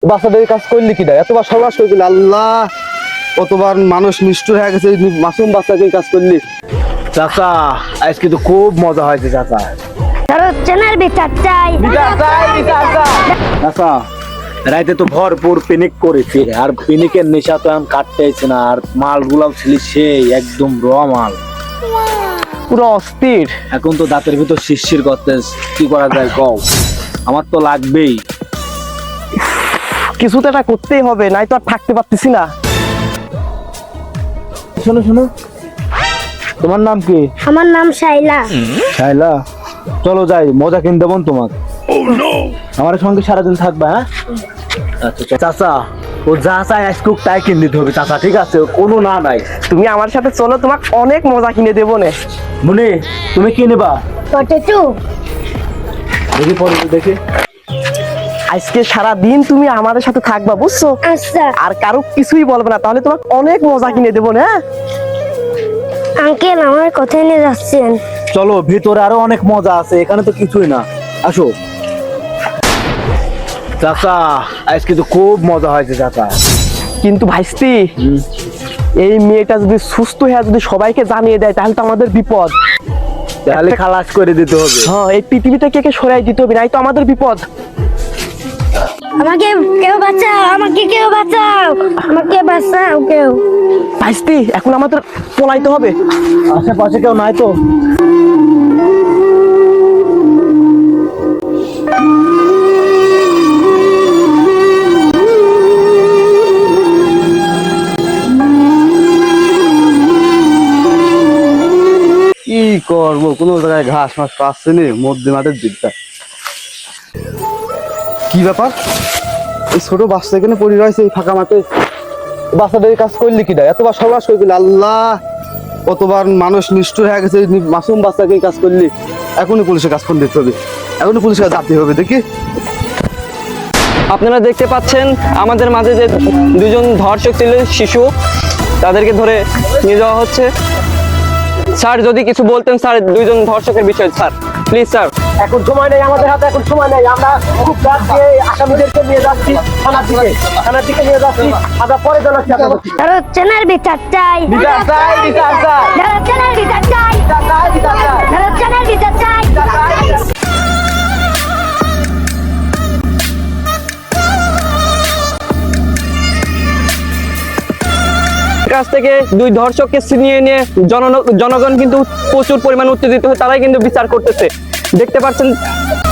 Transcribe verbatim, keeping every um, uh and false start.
বাচ্চাদের কাজ করলি কি দেয় এতবার সর্বাস করে দিলি আল্লাহ, কতবার মানুষ নিষ্ঠুর হয়ে গেছে, মাসুম বাচ্চাকে কাজ করলি। চাচা আজকে তো খুব মজা হয়েছে চাচা। চেনার বিচার চাই। চাচা রাইতে তো ভরপুর পিনিক করেছি, আর পিনিকের নেশা তো এখন কাটতেছে না, আর মালগুলাও ছিল সেই একদম র মাল, পুরো অস্থির। এখন তো দাঁতের ভিতর শিরশির করতে, কি করা যায় কও? আমার তো লাগবেই, কিছু তো এটা করতেই হবে, নাই তো আর থাকতে পারতেছি না। শোনো শোনো, তোমার নাম কি? আমার নাম শাইলা। শাইলা, চলো যাই, মজা কিনে দেবো তোমার। আমার সঙ্গে সারাদিন থাকবা? হ্যাঁ আচ্ছা চাচা, ও যা চাই আইসকুক তাই কিনে দিতে হবে চাচা, ঠিক আছে? কোনো না নাই, তুমি আমার সাথে চলো, তোমাকে অনেক মজা কিনে দেবো নে। মনে তুমি কি নেবা? পটেটো। দেখি পরে দেখি। আজকে সারা দিন তুমি আমাদের সাথে থাকবা, বুঝছো? আচ্ছা আর কারো কিছুই বলবে না, তাহলে তোমাকে অনেক মজা কিনে দেবো না। আঙ্কেল, আমার কোথায় নিয়ে যাচ্ছেন? চলো ভিতরে আরো অনেক মজা আছে, এখানে তো কিছুই না, আসো। চাচা আজকে তো খুব মজা হয়েছে চাচা। কিন্তু ভাইস্তি, এই মেয়েটা যদি সুস্থ হয়ে যদি সবাইকে জানিয়ে দেয় তাহলে তো আমাদের বিপদ। তাহলে খালাস করে দিতে হবে। হ্যাঁ, এই পৃথিবী থেকে কে সরাই দিতে হবে, নাই তো আমাদের বিপদ। আমাকে কেউ বাঁচাও, আমাকে কেউ বাঁচাও, আমাকে বাঁচাও কেউ। ভাইস্তি, এখন আমাদের পলাইতে হবে। আশেপাশে কেউ নাই তো? কি করবো, কোনো জায়গায় ঘাস মাস পাচ্ছে না, মধ্যে মাঠের দিকটা। কি ব্যাপার, এই ছোট বাচ্চা এখানে পড়ে রয়েছে এই ফাঁকা মাঠে, বাচ্চাদের কাজ করলি কি দেয় এতবার সর্বাস করে দিলি আল্লাহ, কতবার মানুষ নিষ্ঠুর হয়ে গেছে, মাসুম বাচ্চাকে কাজ করলি। এখনই পুলিশের কাজ ফোন দিতে হবে, এখনই পুলিশের কাছে যেতে হবে। দেখি, আপনারা দেখতে পাচ্ছেন আমাদের মাঝে যে দুজন ধর্ষক ছিল শিশু, তাদেরকে ধরে নিয়ে যাওয়া হচ্ছে। স্যার যদি কিছু বলতেন স্যার, দুইজন ধর্ষকের বিষয়ে স্যার, প্লিজ স্যার। এখন সময় নেই আমাদের হাতে, এখন সময় নেই, আমরা খুব রাত দিয়ে আসামিদেরকে নিয়ে যাচ্ছি থানার দিকে, থানার দিকে নিয়ে যাচ্ছি, আমরা পরে জানাচ্ছি আপনাদের। ধরো চেনার বিচার চাই। বিচার চাই, বিচার চাই। ধরো চেনার বিচার চাই। ধরো চেনার বিচার চাই। কাছ থেকে দুই ধর্ষককে ছিনিয়ে নিয়ে জন জনগণ কিন্তু প্রচুর পরিমাণে উত্তেজিত হয়ে তারাই কিন্তু বিচার করতেছে, দেখতে পাচ্ছেন।